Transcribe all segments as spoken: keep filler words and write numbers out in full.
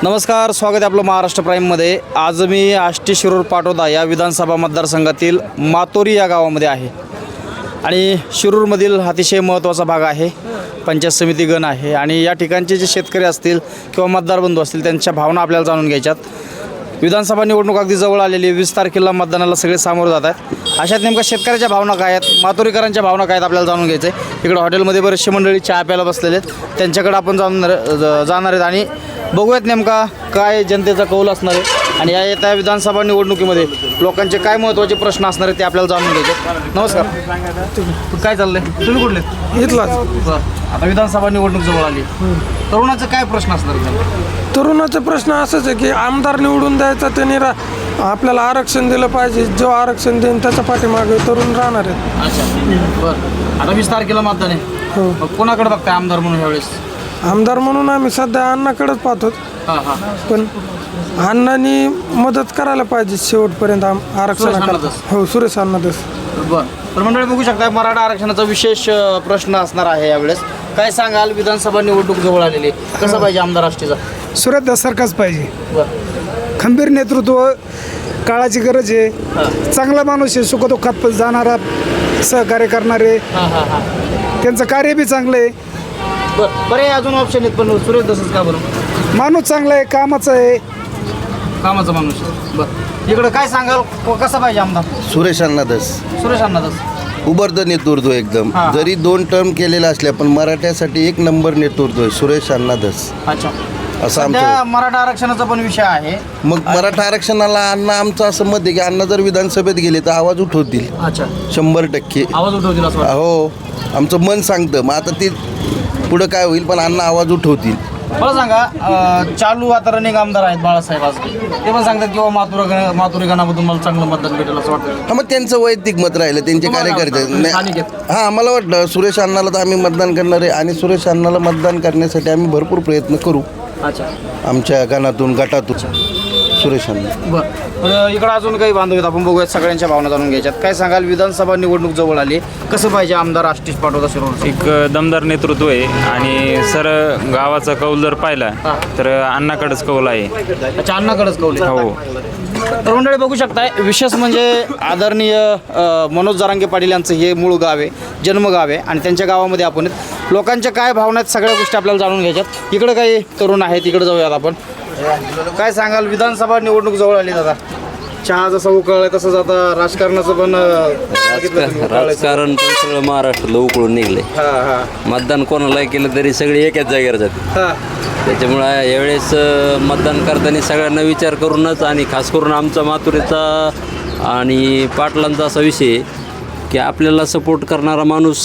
नमस्कार, स्वागत आहे आपलं महाराष्ट्र प्राईममध्ये. आज मी आष्टी शिरूर पाटोदा या विधानसभा मतदारसंघातील मातोरी या गावामध्ये आहे आणि शिरूरमधील अतिशय महत्त्वाचा भाग आहे. पंचायत समिती गण आहे आणि या ठिकाणचे जे शेतकरी असतील किंवा मतदार बंधू असतील त्यांच्या भावना आपल्याला जाणून घ्यायच्यात. विधानसभा निवडणूक अगदी जवळ आलेली आहे. वीस तारखेला मतदानाला सगळे सामोरे जात आहेत. अशात नेमका शेतकऱ्याच्या भावना काय आहेत, मातोरीकरांच्या भावना काय आहेत आपल्याला जाणून घ्यायचं आहे. इकडं हॉटेलमध्ये बरेचसे मंडळी चहा प्यायला बसलेले आहेत, त्यांच्याकडे आपण जाणार जाणार आहेत आणि बघूयात नेमका काय जनतेचा कौल असणार आहे आणि या येत्या विधानसभा निवडणुकीमध्ये लोकांचे काय महत्त्वाचे प्रश्न असणार आहेत ते आपल्याला जाणून घ्यायचे. नमस्कार, काय चाललंय? तुम्ही कुठले? इथलाच. आता विधानसभा निवडणूक जवळ आली, तरुणाचे काय प्रश्न असणार आहेत? तरुणाचा प्रश्न असाच आहे की आमदार निवडून द्यायचा, त्यांनी रा आपल्याला आरक्षण दिलं पाहिजे. जो आरक्षण देईन त्याच्या पाठीमागे तरुण राहणार आहेत. अच्छा, बरं. आता वीस तारखेला मतदान आहे. हो. मग कोणाकडे बघताय आमदार म्हणून यावेळेस? आमदार म्हणून आम्ही सध्या अण्णाकडेच पाहतो, हां हां पण अण्णांनी मदत करायला पाहिजे शेवटपर्यंत आम आरक्षणाला. अण्णादास. हो, सुरेश अण्णादास. बरं. तर मंडळी बघू शकता, मराठा आरक्षणाचा विशेष अ, प्रश्न असणार आहे यावेळेस. काय सांगाल, विधानसभा निवडणूक जवळ आलेली आहे, कसं पाहिजे आमदार आष्टीचा? सुरेश सरकारच पाहिजे. बरं. खंबीर नेतृत्व, काळाची गरज आहे. हां चांगला माणूस आहे, सुखदुःखात जाणारा, सहकार्य करणारे, हां हां हां त्यांचं कार्य बी चांगलं आहे. बरं. बरे अजून ऑप्शन आहेत पण सुरेश दसच का बरं? माणूस चांगला आहे, कामाचा आहे. कामाचा माणूस आहे. बरं. इकडं काय सांगाल, क- कसा पाहिजे आमदार? सुरेश अण्णादास सुरेश अण्णादास. उबरतं नेतृत्व एकदम. हां. जरी दोन टर्म केलेलं असल्या पण मराठ्यासाठी एक नंबर नेतृत्व आहे सुरेश अण्णादास, अच्छा. असं सध्या आमचं. मराठा आरक्षणाचा पण विषय आहे. मग मराठा आरक्षणाला अण्णा, आमचं असं मत आहे की अण्णा जर विधानसभेत गेले तर आवाज उठवतील अच्छा, शंभर टक्के. आवाज उठवतील असं वाटतं. हो, आमचं मन सांगतं. मग आता ते पुढं काय होईल, पण अण्णा आवाज उठवतील. मला सांगा, अ, चालू आता रनिंग आमदार आहेत बाळासाहेब आजके, ते पण सांगतात की मातुरा मातुरी गणामधून मला चांगलं मतदान भेटेल असं वाटतं. हा, मग त्यांचं वैयक्तिक मत राहिलं, त्यांचे तुम्हाला कार्यकर्ते. काय वाटतं? स्थानिक आहेत. नाही, हां, मला वाटलं सुरेश अण्णाला तर आम्ही मतदान करणार आहे आणि सुरेश अण्णाला मतदान करण्यासाठी आम्ही भरपूर प्रयत्न करू अच्छा, आमच्या गणातून गटातून. सुरेश अण्णा. बरं. तर इकडं अजून काही बांधव आहेत, आपण बघूयात, सगळ्यांच्या भावना जाणून घ्यायच्यात. काय सांगाल, विधानसभा निवडणूक जवळ आली, कसं पाहिजे आमदार आष्टीस पाटोदा शिरोडचं? एक दमदार नेतृत्व आहे आणि सर गावाचा कौल जर पाहिला हां. तर अण्णाकडेच कौल आहे. अच्छा, अण्णाकडेच कौल आहे. हो. तर मंडळी बघू शकताय, विशेष म्हणजे आदरणीय अ, मनोज जरांगे पाटील यांचं हे मूळ गाव आहे, जन्मगाव आहे आणि त्यांच्या गावामध्ये आपण आहेत. लोकांच्या काय भावना आहेत सगळ्या गोष्टी आपल्याला जाणून घ्यायच्यात. इकडं काही तरुण आहेत, इकडे जाऊयात आपण. काय सांगाल, विधानसभा निवडणूक जवळ आली दादा? चहा जसं उकळलाय तसंच आता राजकारणाचं पण अ, बघितलं तुम्ही, उकळलंय. राजकारण पण सगळं महाराष्ट्राला उकळून निघले. हां हां मतदान कोणाला केलं तरी सगळे एकाच जागेवर जाते. हां त्याच्यामुळं यावेळेस अं, मतदान करताना सगळ्यांना विचार करूनच, आणि खास करून आमचा मातुरीचा आणि पाटलांचा असा विषय आहे की आपल्याला सपोर्ट करणारा माणूस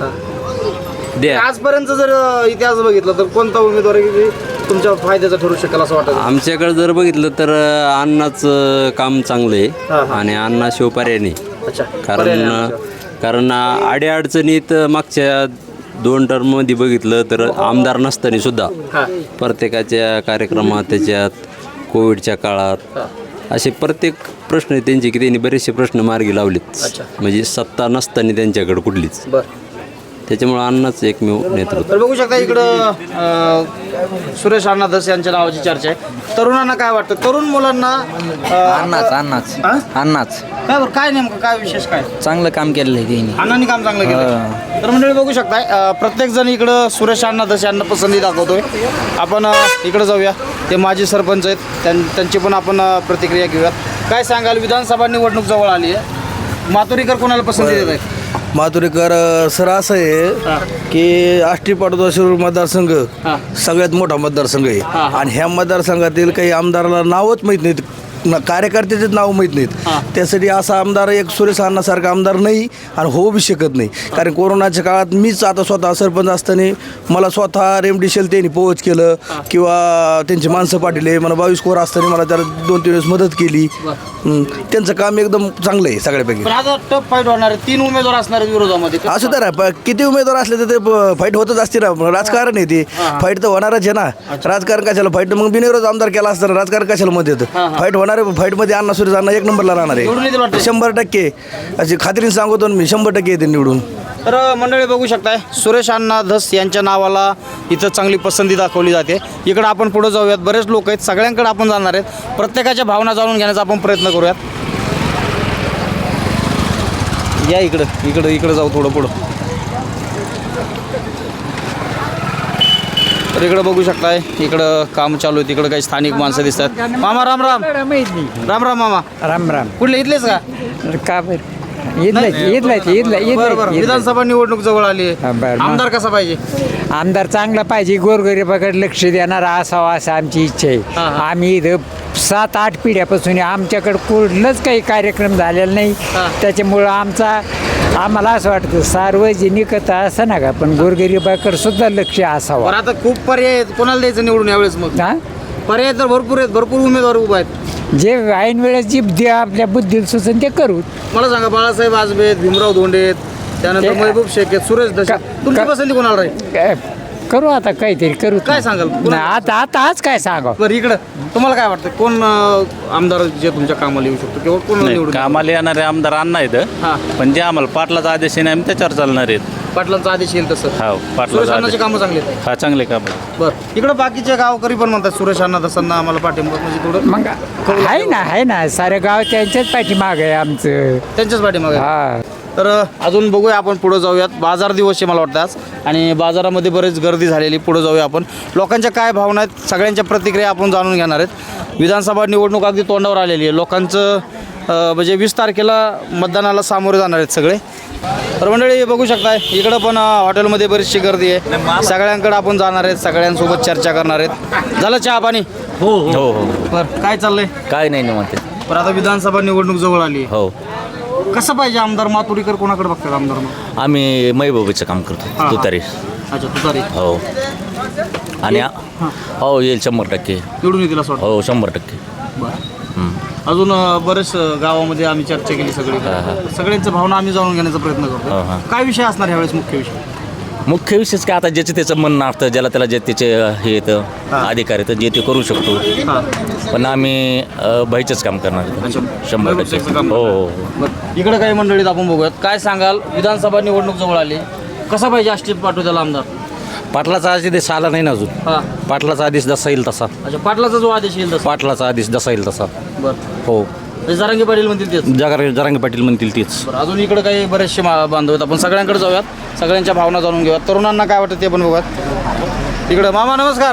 द्या. आजपर्यंत जर अ, इतिहास बघितला तर कोणता उमेदवार आहे की तुमच्या फायद्याचा ठरू शकेल असं वाटतं? आमच्याकडे जर बघितलं तर अं, अण्णाचं काम चांगलं हां, आहे हां. आणि अण्णा शिवपर्याने. अच्छा, पर्याय कारण नाही आमच्या. कारण अडीअडचणीत मागच्या दोन टर्ममध्ये बघितलं तर आमदार नसताना सुद्धा हां प्रत्येकाच्या कार्यक्रमात, त्याच्यात कोविडच्या काळात असे प्रत्येक प्रश्न आहेत त्यांचे की त्यांनी बरेचसे प्रश्न मार्गी लावलेत. अच्छा. म्हणजे सत्ता नसताना त्यांच्याकडे कुठलीच. बरं. त्याच्यामुळे अण्णाच एकमेव नेतृत्व. तर बघू शकता, इकडं अ, सुरेश अण्णादास यांच्या नावाची चर्चा आहे. तरुणांना काय वाटतं, तरुण मुलांना अ, अन्नाच अन्नाच हां? अन्नाच काय बरं, काय नेमकं काय विशेष काय? चांगलं काम केलेलं आहे त्यांनी. अण्णांनी काम चांगलं केलं. तर मंडळी बघू शकताय, अ, प्रत्येक जण इकडं सुरेश अण्णादास यांना पसंती दाखवतोय. आपण अ, इकडं जाऊया, ते माजी सरपंच आहेत, त्यां त्यांची पण आपण अ, प्रतिक्रिया घेऊयात. काय सांगाल, विधानसभा निवडणूक जवळ आली आहे, मातोरीकर कोणाला पसंती देत आहेत? मातुरीकर सर असं आहे की आष्टी पाटोदा शिरूर मतदारसंघ हां सगळ्यात मोठा मतदारसंघ आहे हां. आणि ह्या मतदारसंघातील काही आमदाराला नावच माहीत नाहीत, न- कार्यकर्त्याचेच नाव माहीत नाहीत. हां. त्यासाठी असा आमदार एक सुरेश अण्णासारखा आमदार नाही आणि होऊ बी शकत नाही. कारण कोरोनाच्या काळात मीच आता स्वतः सरपंच असताना मला स्वतः रेमडिशेल त्यांनी पोहोच केलं किंवा त्यांची माणसं पाठवले. मला बावीस कोर असताना मला त्याला दोन तीन वेळेस मदत केली. हं. त्यांचं काम एकदम चांगलं आहे सगळ्यापैकी. पण आता टफ फाईट होणार आहे, तीन उमेदवार असणार आहेत विरोधामध्ये. असं तर आहे, प- किती उमेदवार असले तर ते फाईट होतच असते ना. राजकारण आहे ते, फाईट तर होणारच आहे ना. राजकारण कशाला फाईट, मग बिनविरोध आमदार केला असताना राजकारण कशाला मध्ये येतं. फाईट होणार येणाऱ्या फाईटमध्ये अण्णा सुरेश अण्णा एक नंबरला राहणार निवडून येतील वाटतं? आहे शंभर टक्के अशी खात्रीने सांगतो ना मी, शंभर टक्के येते निवडून. तर मंडळी बघू शकताय सुरेश अण्णा धस यांच्या नावाला इथं चांगली पसंती दाखवली जाते. इकडं आपण पुढे जाऊयात, बरेच लोक आहेत, सगळ्यांकडे आपण जाणार आहेत, प्रत्येकाच्या भावना जाणून घेण्याचा आपण प्रयत्न करूयात. या इकडं इकडं इकडं जाऊ थोडं पुढं. तर इकडं बघू शकताय, इकडं काम चालू आहे, तिकडं काही स्थानिक माणसं दिसतात. मामा राम राम. राम राम मामा. राम राम. कुठले इथलेच का? का बरं इथलाच इथलाच इथला बरं बरं. विधानसभा निवडणूक जवळ आली हा, आहे. बरं. आमदार कसा पाहिजे? आमदार चांगला पाहिजे, गोरगरिबाकडे लक्ष देणारा असावा असं आमची इच्छा आहे. हा, हा. आम्ही इथं सात आठ पिढ्यापासून आमच्याकडे कुठलंच काही कार्यक्रम झालेला नाही. हा. त्याच्यामुळं आमचा आम्हाला असं वाटतं सार्वजनिकता असं ना का, पण गोरगरिबाकडे सुद्धा लक्ष असावं. बरं आता खूप पर्याय आहेत, कोणाला द्यायचं निवडून यावेळेस? मग हा पर्याय तर भरपूर आहेत, भरपूर उमेदवार उभा आहेत. जे ऐन वेळेस जी जे आपल्या बुद्धीला सुचन ते करू. मला सांगा, बाळासाहेब आजबे आहेत, भीमराव धोंडे आहेत, त्यानंतर ते- महबूब शेख आहेत, सुरेश दशे. का- तुमची का- पसंती कोणाला राहील? काय करू आता काहीतरी करू. काय सांगाल? नाही, आता आता आज काय सांगा. बरं इकडं तुम्हाला काय वाटतं, कोण अं, आमदार जे तुमच्या कामाला येऊ शकतो किंवा कोण निवडून? कामाला येणारे आमदार अण्णा आहेत, हां पण जे आम्हाला पाटलाचा आदेश आहे आम्ही त्याच्यावर चालणार आहेत. पाटलांचा आदेश येईल तसं. हा सुरेश पाटलाचा अण्णाची आदेश कामं चांगली आहेत. हा चांगले काम आहे. बरं इकडं बाकीचे गावकरी पण म्हणतात सुरेश अण्णा तसं आम्हाला पाठिंबा, म्हणजे थोडं मग आहे ना आहे ना सारे गाव त्यांच्याच पाठीमाग आहे आमचं. त्यांच्याच पाठीमागे. हा तर अजून बघूया आपण, पुढे जाऊयात. बाजार दिवस आहे मला वाटतं आज, आणि बाजारामध्ये बरेच गर्दी झालेली. पुढे जाऊया आपण, लोकांच्या काय भावना आहेत, सगळ्यांच्या प्रतिक्रिया आपण जाणून घेणार आहेत. विधानसभा निवडणूक अगदी तोंडावर आलेली आहे. लोकांचं अं, म्हणजे वीस तारखेला मतदानाला सामोरे जाणार आहेत सगळे. तर मंडळी बघू शकताय, इकडं पण अं, हॉटेलमध्ये बरीचशी गर्दी आहे. सगळ्यांकडे आपण जाणार आहेत, सगळ्यांसोबत चर्चा करणार आहेत. झालं चहा पाणी? हो हो हो बरं काय चाललंय? काय नाही म्हणते. बरं आता विधानसभा निवडणूक जवळ आली आहे. हो कसं पाहिजे आमदार? मातुरीकर कोणाकडे बघतात आमदार मग? आम्ही महबूबीचं काम करतो हा. तुतारी. अच्छा तुतारी. हो आणि हो येईल शंभर टक्के. निवडून येतील असं वाटतं. हो शंभर टक्के. बरं. हं. अजून अं, बरेच अं, गावामध्ये आम्ही चर्चा केली सगळी. सगळ्यांच्या भावना आम्ही जाणून घेण्याचा प्रयत्न हा, करतो. हा. काय विषय असणार ह्यावेळेस मुख्य विषय? मुख्य विशेष काय, आता ज्याचं त्याचं म्हणणं असतं, ज्याला त्याला जे त्याचे हे येतं हा. अधिकार येतं जे ते करू शकतो. हां पण आम्ही अ, बाईचंच काम करणार अच्छा. आहे. शंभर टक्के. बाईचं काम हो करणार. हो हो. बरं इकडे काही मंडळीत आपण बघूयात. काय सांगाल, विधानसभा निवडणूक जवळ आली, कसा पाहिजे आष्टीत पाठवू त्याला आमदार? पाटलाचा आदेश आला नाही ना अजून. हां पाटलाचा आदेश जसा येईल तसा. अच्छा पाटलाचा जो आदेश येईल तसा. पाटलाचा आदेश जसा येईल तसा. बरं हो म्हणजे जरांगे पाटील म्हणतील तेच. जगार जरांगे पाटील म्हणतील तीच. बरं अजून इकडे काही बरेचसे मा बांधव आहेत, आपण सगळ्यांकडे जाऊयात, सगळ्यांच्या भावना जाणून घेऊयात. तरुणांना काय वाटतं ते पण बघूयात. इकडं मामा नमस्कार.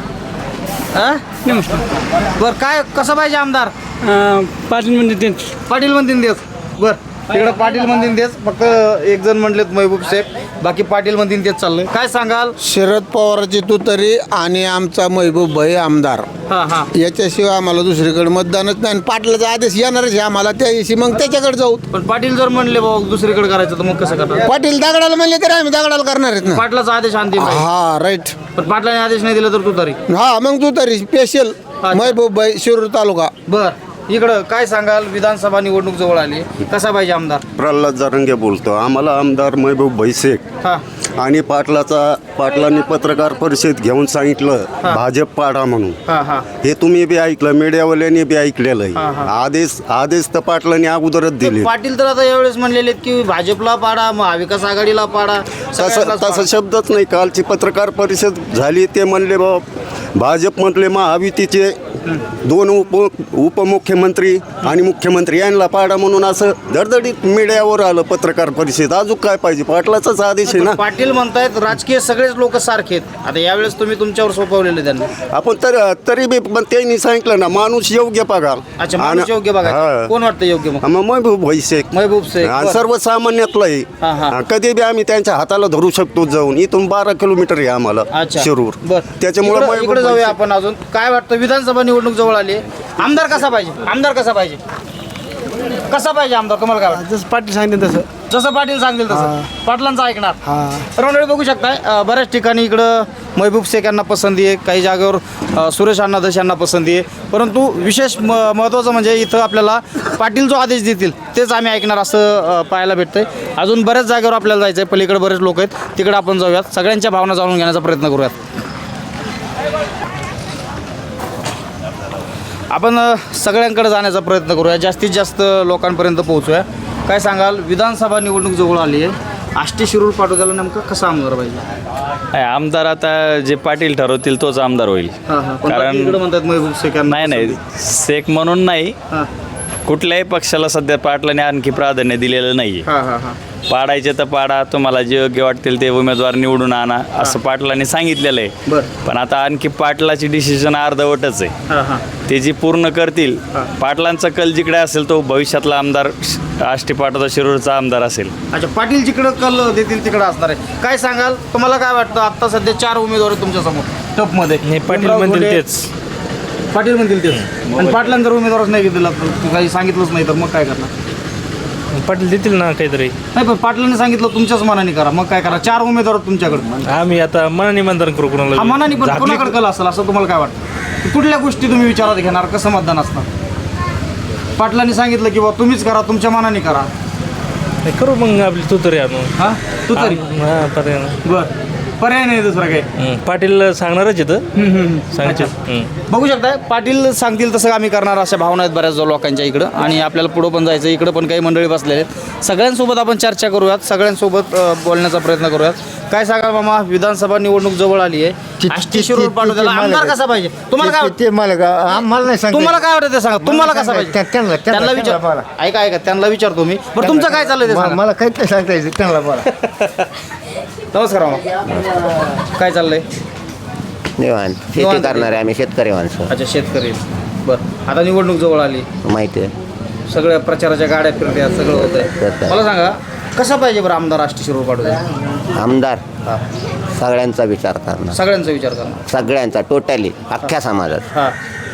हां नमस्कार. बरं काय कसं पाहिजे आमदार? पाटील म्हणजे तेच. पाटील म्हणतील तेच. बरं तिकडं पाटील म्हणतील तेच, फक्त एक जण म्हणलेत महबूब शेख, बाकी पाटील म्हणतील तेच चाललंय. काय सांगाल? शरद पवाराची तुतारी आणि आमचा महबूब भाई आमदार, हां हां याच्याशिवाय आम्हाला दुसरीकडे मतदानच नाही. आणि पाटलाचा आदेश येणारच आहे आम्हाला, त्या दिवशी मग त्याच्याकडे जाऊ. पण पाटील जर म्हणले बाबा दुसरीकडे करायचं तर मग कसं करणार? पाटील दगडाला म्हणले तरी आम्ही दगडाला करणार आहेत ना. पाटलाचा आदेश अंतिम आहे. हा राईट. पण पाटलाने आदेश नाही दिला तर तू तरी. हा मग तुतारी स्पेशल महबूब भाई शिरूर तालुका. बर इकडं काय सांगाल, विधानसभा निवडणूक जवळ आली, कसा पाहिजे आमदार? प्रल्हाद जरांगे बोलतो. आम्हाला आमदार महबूब भाई शेख हां आणि पाटलाचा पाटलांनी पत्रकार परिषद घेऊन सांगितलं भाजप पाडा म्हणून. हां हां हे तुम्ही बी ऐकलं, मीडियावाल्यांनी बी ऐकलेलं आहे. आदेश आदेश तर पाटलांनी अगोदरच दिले. पाटील तर आता यावेळेस म्हणलेले आहेत की भाजपला पाडा, महाविकास आघाडीला पाडा, तसं सगळ्यांनाच तसा पाडा. शब्दच नाही. कालची पत्रकार परिषद झाली, ते म्हणले बा भाजप म्हटले महायुतीचे दोन उप उपमुख्यमंत्री आणि मुख्यमंत्री यांना पाडा म्हणून असं धडधडीत मीडियावर आलं पत्रकार परिषद. अजून काय पाहिजे? पाटलाचाच आदेश आहे ना. पाटील म्हणतायत राजकीय सगळेच लोक सारखे आहेत. आता यावेळेस तुम्ही तुमच्यावर सोपवलेले त्यांना. आपण तर तरी बी पण त्यांनी सांगितलं ना, माणूस योग्य बघा. अच्छा माणूस योग्य बघा. हा. कोण वाटतं योग्य मग? मग महबूब भाई शेख महबूब शेख. आणि बरं. सर्वसामान्यातलं हा, हा. आहे. कधी बी आम्ही त्यांच्या हाताला धरू शकतो जाऊन. इथून बारा किलोमीटर आहे आम्हाला अच्छा शिरूर. बर त्याच्यामुळे इकडे महबूब जाऊया भाई आपण. अजून काय वाटतं, विधानसभा निवडणूक जवळ आली, आमदार कसा पाहिजे? आमदार कसा पाहिजे? कसा पाहिजे आमदार तुम्हाला काय वाटतं? जसं पाटील सांगितलं तसं. जसं पाटील सांगतील तसं पाटलांचं ऐकणार. हा तर मंडळी बघू शकताय, अ, बऱ्याच ठिकाणी इकडं महबूब शेख यांना पसंती आहे, काही जागेवर अ, सुरेश अण्णा धस यांना पसंती आहे. परंतु विशेष म महत्त्वाचं म्हणजे इथं आपल्याला पाटील जो आदेश देतील तेच आम्ही ऐकणार असं अ, पाहायला भेटतंय. अजून बऱ्याच जागेवर आपल्याला जायचं आहे, पलीकडे बरेच लोक आहेत, तिकडे आपण जाऊयात, सगळ्यांच्या भावना जाणून घेण्याचा प्रयत्न करूयात. आपण अ, सगळ्यांकडे जाण्याचा प्रयत्न करूया, जास्तीत जास्त लोकांपर्यंत पोहोचूया. काय सांगाल, विधानसभा निवडणूक जवळ आली आहे, आष्टी शिरूर पाटोद्याला नेमकं कसा आमदार पाहिजे? आमदार आता जे पाटील ठरवतील तोच आमदार होईल. हां हां पण कारण- बाकी इकडं म्हणतात महबूब शेख यांना नाही नाही शेख म्हणून नाही, हां कुठल्याही पक्षाला सध्या पाटलाने आणखी प्राधान्य दिलेलं नाही. हां हां हां पाडायचे तर पाडा, तुम्हाला जे योग्य वाटतील ते उमेदवार निवडून आणा असं पाटलांनी सांगितलेलं आहे. बरं पण आता आणखी पाटलाची डिसिजन अर्धवटच आहे. हां हां ते जी पूर्ण करतील, पाटलांचा कल जिकडे असेल तो भविष्यातला आमदार आष्टी पाटोदा शिरूरचा आमदार असेल. अच्छा, पाटील जिकडं कल देतील तिकडं असणार आहे. काय सांगाल, तुम्हाला काय वाटतं, आत्ता सध्या चार उमेदवार आहेत तुमच्यासमोर टपमध्ये? पाटील म्हणतील तेच. पाटील म्हणतील तेच. आणि पाटलांना जर उमेदवारच नाही दिला, तर काही सांगितलंच नाही तर मग काय करणार? पाटील देतील ना काहीतरी. नाही पण पाटलांनी सांगितलं तुमच्याच मनाने करा, मग काय करा? चार उमेदवार आहेत तुमच्याकडे. आम्ही आता मनाने मतदान करू हा कोणाला. मनाने पण कोणाकडे कल असेल असं तुम्हाला काय वाटतं? कुठल्या गोष्टी तुम्ही विचारात घेणार, कसं मतदान असणार? पाटलांनी सांगितलं की बा तुम्हीच करा, तुमच्या मनाने करा. करू मग आपली तू तरी आणू. हा तू तरी हा पर्याय नाही. बर, पर्याय नाही दुसरा काही. हं, पाटील सांगणारच येतं सांगते. बघू शकताय, पाटील सांगतील तसं आम्ही करणार, अशा भावना आहेत बऱ्याच लोकांच्या इकडं. आणि आपल्याला पुढं पण जायचं, इकडं पण काही मंडळी बसलेले आहेत. सगळ्यांसोबत आपण चर्चा करूयात, सगळ्यांसोबत अ, बोलण्याचा प्रयत्न करूयात. काय सांगा मामा, विधानसभा निवडणूक जवळ आली आहे, आष्टी शिरूर पाटोद्याला आमदार कसा पाहिजे? तुम्हाला काय वाटतं? ते मला आम्हाला नाही सांग तुम्हाला काय वाटतं ते सांगा, तुम्हाला कसा पाहिजे? त्यांना विचार, ऐका ऐका त्यांना विचारतो मी. बरं तुमचं काय चाललंय ते सांगा. मला काहीच नाही सांगता यायचं त्यांना बोला. नमस्कार मामा, काय चाललंय? निवांत शेती करणारे आम्ही शेतकरी माणसं. अच्छा, शेतकरी. बरं, आता निवडणूक जवळ आली, माहिती आहे. सगळ्या प्रचाराच्या गाड्या फिरत्या, सगळं होतंय. मला सांगा, कसा पाहिजे बरं आमदार आष्टी शिरूर पाटोदा? आमदार सगळ्यांचा विचार करणार, सगळ्यांचा विचार करणार. सगळ्यांचा टोटली अख्ख्या समाजात. हां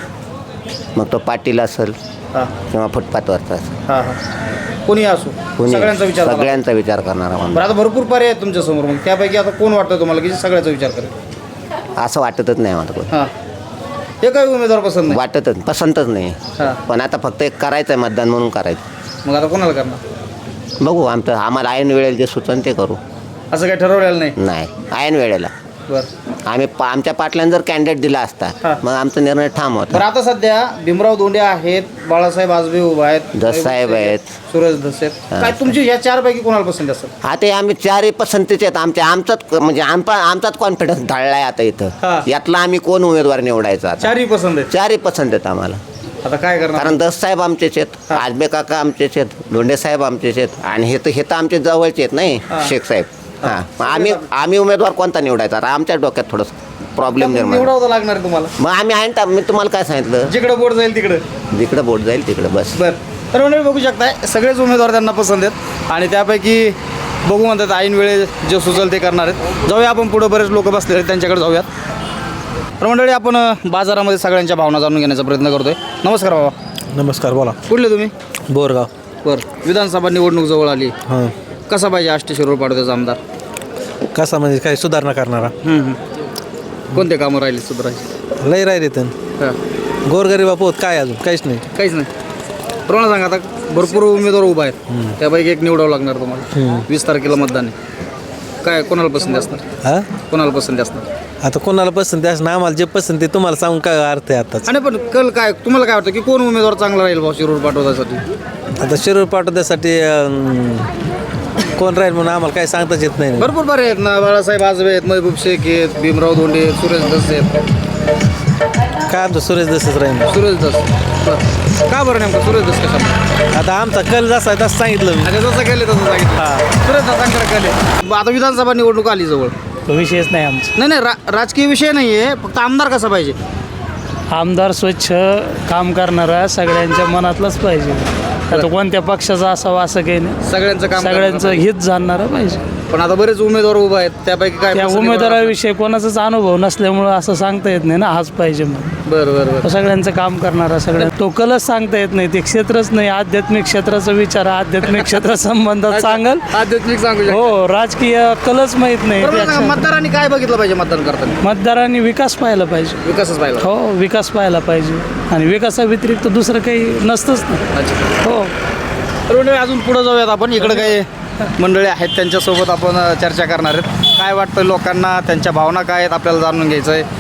मग तो पाटील असेल हां किंवा फुटपाथवरचा असेल, हां हां कोणी असो, कोणी सगळ्यांचा विचार करा. सगळ्यांचा विचार करणारा बरं, आमदार. आता भरपूर पर्याय आहेत तुमच्यासमोर, मग त्यापैकी आता कोण वाटतं तुम्हाला की सगळ्याचा विचार करेल? असं वाटतच नाही मला कोण. हां, हे काही उमेदवार पसंत नाही. वाटतच पसंतच नाही. हां, पण आता फक्त एक करायचं आहे, मतदान म्हणून करायचं. मग आता कोणाला करणार? बघू, आमचं आम्हाला ऐन वेळेला जे सुचन ते करू. असं काही ठरवलेलं नाही. नाही, ऐन वेळेला बरं आम्ही पा आमच्या पाटलांनी जर कॅन्डिडेट दिला असता हां. मग आमचा निर्णय ठाम होता. बरं, आता सध्या भीमराव धोंडे आहेत, बाळासाहेब आजबे उभा आहेत, दससाहेब आहेत, सुरेश धस आहेत. काय तुमची या चार पैकी कोणाला पसंत असेल? आता हे आम्ही चारही पसंतीचे आहेत. आमच्या आमचाच म्हणजे आमचा आमचाच कॉन्फिडन्स ढळलाय आता हां. इथं. यातला आम्ही कोण उमेदवार निवडायचा आता? चारही पसंत आहेत. चारही पसंत आहेत आम्हाला. आता काय करणार? कारण दससाहेब आमचेच आहेत, हां. आजबे काका आमचेच आहेत, धोंडे साहेब आमचेच आहेत, आणि हे तर हे तर आमचे जवळचे आहेत नाही, हां. शेख साहेब. हां, मग आम्ही आम्ही उमेदवार कोणता निवडायचा? आता आमच्या डोक्यात थोडंसं प्रॉब्लेम निर्माण. निवडावं लागणार आहे तुम्हाला. मग आम्ही आहे ना, मी तुम्हाला काय सांगितलं, जिकडे बोट जाईल तिकडे. जिकडं बोट जाईल तिकडं बस. बरं, तर मंडळी बघू शकताय, सगळेच उमेदवार त्यांना पसंत आहेत आणि त्यापैकी बघू म्हणतात ऐन वेळे जे सुचल ते करणार आहेत. जाऊया आपण पुढं, बरेच लोक बसलेले आहेत त्यांच्याकडे जाऊयात. तर मंडळी आपण अ, बाजारामध्ये सगळ्यांच्या भावना जाणून घेण्याचा प्रयत्न करतोय. नमस्कार बाबा. नमस्कार, बोला. कुठले तुम्ही? बोरगाव. बरं, विधानसभा निवडणूक जवळ आली, हां, कसा पाहिजे आष्टी शिरूर पाटोद्याचा आमदार? कसा म्हणजे काय सुधारणा करणारा? हम्म, हम्म. कोणते कामं राहिले सुधारायचे? लय राहिले तर हां, गोरगरीबा पोत काय अजून काहीच नाही. काहीच नाही. तर मला सांगा, आता भरपूर उमेदवार उभा आहेत, त्यापैकी एक निवडावं लागणार तुम्हाला. वीस तारखेला मतदान आहे. काय कोणाला पसंती असणार? हां, कोणाला पसंती असणार? आता कोणाला पसंती असणं, आम्हाला जे पसंती तुम्हाला सांगून काय अर्थ आहे आताच. आणि पण कल काय तुम्हाला काय वाटतं की कोण उमेदवार चांगला राहील भाऊ शिरूर पाटोद्यासाठी? आता शिरूर पाठवण्यासाठी अं, कोण राहील म्हणून आम्हाला काही सांगताच येत नाही. भरपूर बरे आहेत ना, बाळासाहेब आजबे आहेत, महबूब शेख आहेत, भीमराव धोंडे आहेत, सुरेश धस आहेत. काय आमचं सुरेश दसच राहील. सुरेश धस. बरं, का बरं नेमकं सुरेश धस कशा? आता आमचा कल जसा आहे तसं सांगितलं मी. आणि जसं केले तसं सांगितलं. हां, सुरेश धसांकडे कल आहे. आता विधानसभा निवडणूक आली जवळ. तो विषयच नाही आमचा. नाही नाही रा राजकीय विषय नाही आहे, फक्त आमदार कसा पाहिजे? आमदार स्वच्छ काम करणारा सगळ्यांच्या मनातलाच पाहिजे. आता कोणत्या पक्षाचा असावा असं काही नाही, सगळ्यांचं काम सगळ्यांचं हित जाणणारा पाहिजे. पण आता बरेच उमेदवार उभा आहेत, त्यापैकी काय त्या पसंती उमेदवाराविषयी कोणाचाच अनुभव नसल्यामुळं असं सांगता येत नाही ना हाच पाहिजे म्हणून. बरं बरं बरं. सगळ्यांचं काम करणारा, सगळ्या तो कलच सांगता येत नाही, ते क्षेत्रच नाही. आध्यात्मिक क्षेत्राचा विचार आध्यात्मिक क्षेत्र संबंधात सांगाल. आध्यात्मिक सांगू शकतो. हो, राजकीय कलच माहीत नाही. बरं, मला सांगा, त्या मतदारांनी काय बघितलं पाहिजे मतदान करताना? मतदारांनी विकास पाहायला पाहिजे. विकासच पाहिजे. हो, विकास पाहायला पाहिजे आणि विकासाव्यतिरिक्त दुसरं काही नसतंच ना. अच्छा. हो, तर मंडळी अजून पुढे जाऊयात आपण. इकडे काही मंडळी आहेत त्यांच्यासोबत आपण अ, चर्चा करणार आहेत. काय वाटतं लोकांना, त्यांच्या भावना काय आहेत आपल्याला जाणून घ्यायचं आहे.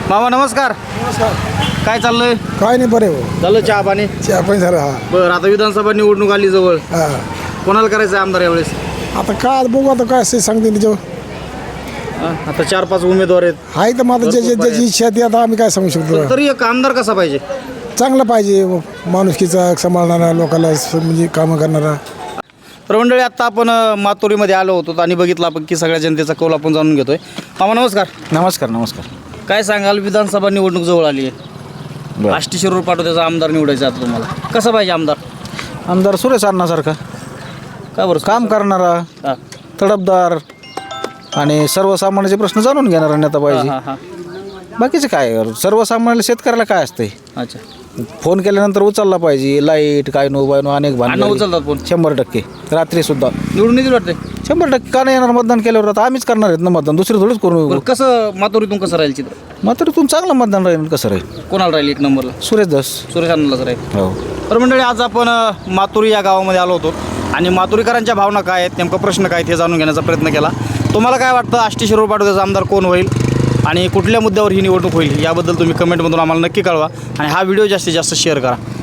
मामा नमस्कार. काय चाललंय? काय नाही बरे हो झालं चहा पाणी? चहा पण झालं हा बरं, आता विधानसभा निवडणूक आली जवळ, हा कोणाला करायचं आहे आमदार यावेळेस? आता काय बघू आता काय असे सांगते त्याच्यावर हा, आता चार पाच उमेदवार आहेत, आहे तर माझं ज्याची ज्याची इच्छा ती आता आम्ही काय सांगू शकतो. तरी एक आमदार कसा पाहिजे? चांगलं पाहिजे माणुसकीचा सांभाळणारा लोकांना स- म्हणजे कामं करणारा. तर मंडळी आत्ता आपण अ, मातोरीमध्ये आलो होतो आणि बघितलं आपण की सगळ्या जनतेचा कौल आपण जाणून घेतोय. मामा नमस्कार. नमस्कार नमस्कार. काय सांगाल, विधानसभा निवडणूक जवळ आली आहे, आष्टी शिरूर पाटोद्याचा आमदार निवडायचा आता तुम्हाला, कसा पाहिजे आमदार? आमदार सुरेश अण्णासारखा का बरं? काम करणारा, हा. तडफदार आणि सर्वसामान्याचे प्रश्न जाणून घेणारा नेता पाहिजे. हा, हा. बाकीचे काय, सर्वसामान्य शेतकऱ्याला काय असते, अच्छा, फोन केल्यानंतर उचलला पाहिजे. लाईट काय नो बाय नो अनेक अण्णा भांडण उचलतात फोन? शंभर टक्के रात्री सुद्धा निवडून येतील वाटते. शंभर टक्के का नाही येणार मतदान केल्यावर? आता आम्हीच करणार आहेत ना मतदान, दुसरे थोडंच करू. बरं, कसं मातोरीतून कसं राहील चित्र? मात्र तुम चांगलं मतदान राहील. कसं राहील? कोणाला राहील एक नंबरला? सुरेश दास. सुरेश अण्णालाच राहील. हो. तर मंडळी आज आपण अ, मातोरी या गावामध्ये आलो होतो आणि मातोरीकरांच्या भावना काय आहेत, नेमका प्रश्न काय आहेत हे जाणून घेण्याचा प्रयत्न केला. तुम्हाला काय वाटतं, आष्टी शिरूर पाटोद्याचा आमदार कोण होईल आणि कुठल्या मुद्द्यावर ही निवडणूक होईल याबद्दल तुम्ही कमेंटमधून आम्हाला नक्की कळवा आणि हा व्हिडिओ जास्तीत जास्त शेअर करा.